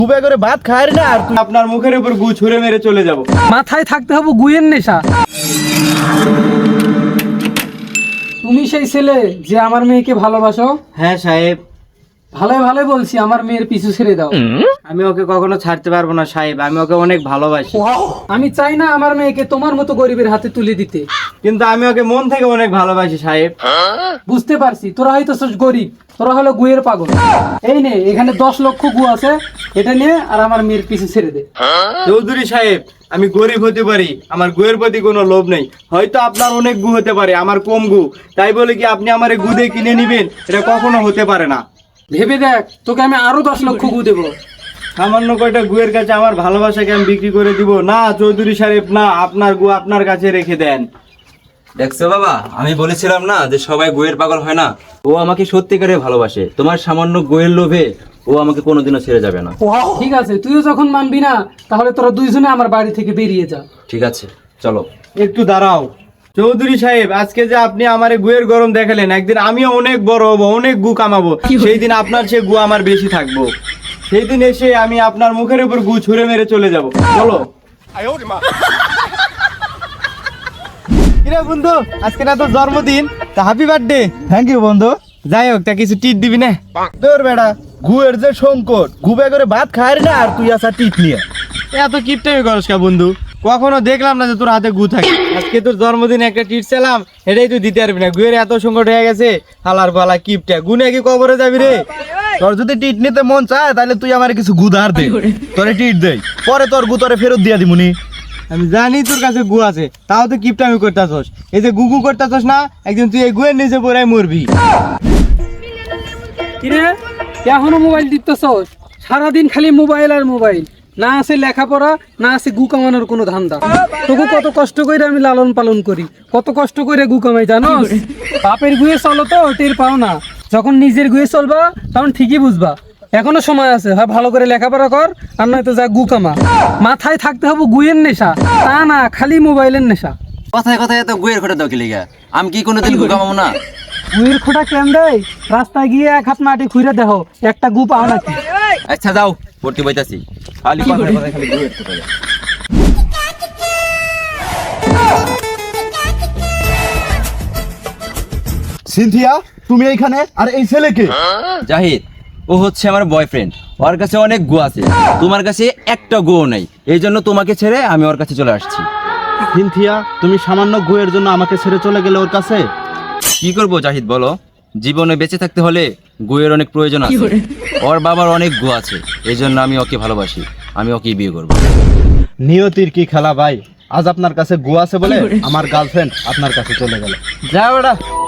গুবে করে ভাত খায় না আর আপনার মুখের উপর গু ছুঁড়ে মেরে চলে যাব। মাথায় থাকতে হবে গুয়ের নেশা। তুমি সেই ছেলে যে আমার মেয়েকে ভালোবাসো? হ্যাঁ সাহেব। ভালোই ভালোই বলছি, আমার মেয়ের পিছু ছেড়ে দাও। আমি ওকে কখনো ছাড়তে পারবো না সাহেব, আমি ওকে অনেক ভালোবাসি। আমি চাই না আমার মেয়েকে তোমার মতো গরিবের হাতে তুলে দিতে। কিন্তু আমি ওকে মন থেকে অনেক ভালোবাসি সাহেব। বুঝতে পারছি, তোরা হয়তো গরিব, তোরা হলো গুয়ের পাগল। এই নে, এখানে 10 লক্ষ গু আছে, এটা নিয়ে আর আমার মেয়ের পিছু ছেড়ে দে। চৌধুরী সাহেব, আমি গরিব হতে পারি, আমার গুয়ের প্রতি কোনো লোভ নেই। হয়তো আপনার অনেক গু হতে পারে, আমার কম গু, তাই বলে কি আপনি আমার গু দিয়ে কিনে নিবেন? এটা কখনো হতে পারে না। ভেবে দেখ, তোকে আমি আরো 10 লক্ষ গু দেবো। সামান্য কয়টা গুয়ের কাছে আমার ভালোবাসাকে আমি বিক্রি করে দিব না চৌধুরী সাহেব, না, আপনার গু আপনার কাছে রেখে দেন। দেখছো বাবা, আমি বলেছিলাম না যে সবাই গোয়ের পাগল হয় না। ও আমাকে সত্যিকারে ভালোবাসে, তোমার সামান্য গোয়ের লোভে ও আমাকে কোনোদিনও ছেড়ে যাবে না। ঠিক আছে, তুইও যখন মানবি না, তাহলে তোরা দুইজনে আমার বাড়ি থেকে বেরিয়ে যা। ঠিক আছে, চলো। একটু দাঁড়াও চৌধুরী সাহেব, আজকে যে আপনি আমার গুয়ের গরম দেখালেন, একদিন আমিও অনেক বড় হবো, অনেক গু কামাবো, সেই দিন আপনার সে গু আমার বেশি থাকবো। সেই দিন এসে আমি আপনার মুখের উপর গু ছুঁড়ে মেরে চলে যাব। চলো। কিরে বন্ধু, আজকে না তোর জন্মদিন, তা হ্যাপি বার্থডে। থ্যাংক ইউ বন্ধু। যাই হোক, তা কিছু টিট দিবি না? তোর বেড়া গুয়ের যে সংকট, গুবে করে ভাত খায় না আর তুই আসা টিট নিয়ে এত কিপটামি করস কা বন্ধু? কখনো দেখলাম না যে তোর হাতে গু থাকে। আজকে তোর জন্মদিনে একটা টিট চাইলাম, এটাই তুই দিতে পারবি না। গুয়ের এত সংকট হয়ে গেছে, হালার পালা কিপটা, গুনে কি কবরে যাবি রে? তোর যদি টিট নিতে মন চায় তাহলে তুই আমার কিছু গু ধার দে, তোরে টিট দেই, পরে তোর গু তোরে ফেরত দিয়া দিমুনি। আমি জানি তোর কাছে গু আছে, তাও তো কিপটামি করতেছস। এই যে গুগু করতেছস না, একদিন তুই এই গুয়ের নিচে পড়াই মরবি। কিরে, এখনো মোবাইল টিপতেছস? সারাদিন খালি মোবাইল আর মোবাইল, না আছে লেখাপড়া, না আছে গু কামানোর কোনো ধান্দা। তোকে কত কষ্ট করে আমি লালন পালন করি, কত কষ্ট করে গু কামাই জানো? বাপের গুয়ে চলো তো টের পাও না, যখন নিজের গুয়ে চলবা তখন ঠিকই বুঝবা। এখনো সময় আছে, হয় ভালো করে লেখাপড়া কর, আর নয়তো যা গু কামা। মাথায় থাকতে হবে গুয়ের নেশা, তা না খালি মোবাইলের নেশা। কথায় কথায় এত গোয়ের খোটা দাও কি লিগা? আমি কি কোনোদিন গু কামাবো না? গুয়ের খোঁটা কেন দেয়? রাস্তায় গিয়ে এক হাত মাটি খুঁড়ে দেখো, একটা গু পাও নাকি? আচ্ছা যাও, ভর্তি বইতাছি। খালি কথায় কথায় খালি গোয়ের খোটা দাও। সিনথিয়া, তুমি এইখানে? আর এই ছেলেকে? জাহিদ, ও হচ্ছে আমার বয়ফ্রেন্ড। ওর কাছে অনেক গু আছে, তোমার কাছে একটা গুও নাই, এই জন্য তোমাকে ছেড়ে আমি ওর কাছে চলে আসছি। সিনথিয়া, তুমি সামান্য গুয়ের জন্য আমাকে ছেড়ে চলে গেলে ওর কাছে? কি করবো জাহিদ বলো, জীবনে বেঁচে থাকতে হলে গুয়ের অনেক প্রয়োজন আছে। ওর বাবার অনেক গু আছে, এই জন্য আমি ওকে ভালোবাসি, আমি ওকে বিয়ে করবো। নিয়তির কি খেলা ভাই, আজ আপনার কাছে গু আছে বলে আমার গার্লফ্রেন্ড আপনার কাছে চলে গেল। যা বেটা।